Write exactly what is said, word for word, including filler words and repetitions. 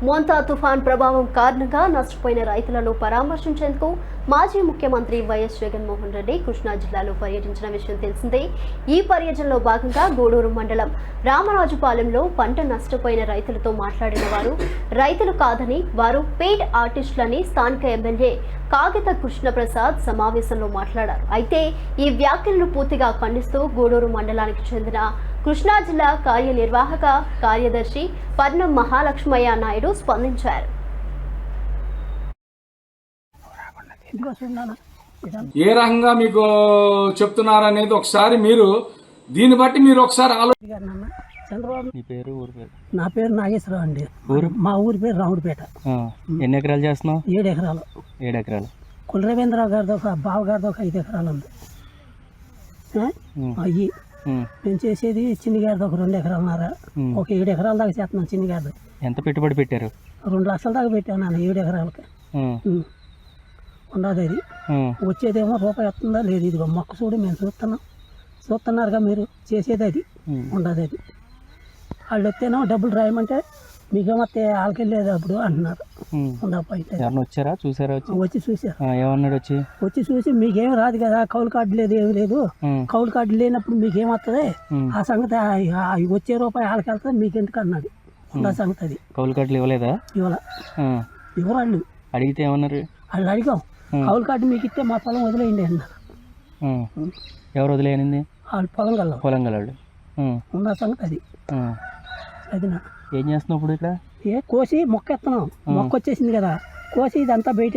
మోంతా తుఫాన్ ప్రభావం కారణంగా నష్టపోయిన రైతులను పరామర్శించేందుకు మాజీ ముఖ్యమంత్రి వైఎస్ జగన్మోహన్ రెడ్డి కృష్ణా జిల్లాలో పర్యటించిన విషయం తెలిసిందే. ఈ పర్యటనలో భాగంగా గూడూరు మండలం రామరాజుపాలెంలో పంట నష్టపోయిన రైతులతో మాట్లాడిన వారు రైతులు కాదని వారు పెయిడ్ ఆర్టిస్టులని స్థానిక ఎమ్మెల్యే కాగిత కృష్ణప్రసాద్ సమావేశంలో మాట్లాడారు. అయితే ఈ వ్యాఖ్యలను పూర్తిగా ఖండిస్తూ గూడూరు మండలానికి చెందిన కృష్ణా జిల్లా కార్యనిర్వాహక కార్యదర్శి పద్నం మహాలక్ష్మయ్య నాయుడు స్పందించారు. ఏ రకంగా మీకు చెప్తున్నారనేది ఒకసారి మీరు దీన్ని బట్టి మీరు ఒకసారి ఆలోచించండి. చంద్రబాబు నీ పేరు ఊరి పేరు? నా పేరు నాగేశ్వరరావు అండి. ఊరు? మా ఊరి పేరు రాముడిపేట. ఎన్ని ఎకరాలు చేస్తున్నావు? ఏడు ఎకరాలు. ఏడు ఎకరాలు కులరవీంద్రరావు గారిది ఒక బావ గారిది ఒక ఐదు ఎకరాలు ఉంది. అయ్యి నేను చేసేది చిన్ని గారిది ఒక రెండు ఎకరాలున్నారా, ఒక ఏడు ఎకరాల దాకా చేస్తున్నాను. చిన్ని గారిది ఎంత పెట్టుబడి పెట్టారు? రెండు లక్షల దాకా పెట్టాను నాన్న ఏడు ఎకరాలకి. ఉండదు అది వచ్చేదేమో రూపాయి వస్తుందా లేదు. ఇదిగో మొక్క చూడు మేము చూస్తున్నాం, చూస్తున్నారుగా మీరు చేసేది అది ఉండదు. అది వాళ్ళు వస్తేనో డబ్బులు రాయమంటే మీకేమొస్తే వాళ్ళకెళ్ళేది అప్పుడు అంటున్నారు. ఎవరన్నా వచ్చారా? చూసారా? వచ్చి చూసారు. ఏమన్నాడు? వచ్చి వచ్చి చూసి మీకేం రాదు కదా, కౌలు కార్డు లేదు ఏమి లేదు, కౌలు కార్డు లేనప్పుడు మీకేమవుతుంది ఆ సంగతి, వచ్చే రూపాయి వాళ్ళకి వెళ్తుంది మీకెందుకు అన్నాడు. ఆ సంగతి అది. కౌలు కార్డులు ఇవ్వలేదా? ఇవ్వాల ఇవ్వరాళ్ళు. అడిగితే ఏమన్నారు? వాళ్ళు అడిగాం కౌలు కార్డు మీకు ఇస్తే మా పొలం వదిలేయండి అన్నారు. ఎవరు వదిలేయనింది? వాళ్ళు పొలం గల పొలం గలవాళ్ళు ఉన్న సంగతి అది. అది నా ఏం చేస్తున్నావు ఇప్పుడు ఇక్కడ? ఏ కోసి మొక్క ఎత్తున్నాం, మొక్క వచ్చేసింది కదా, కోసి ఇదంతా బయట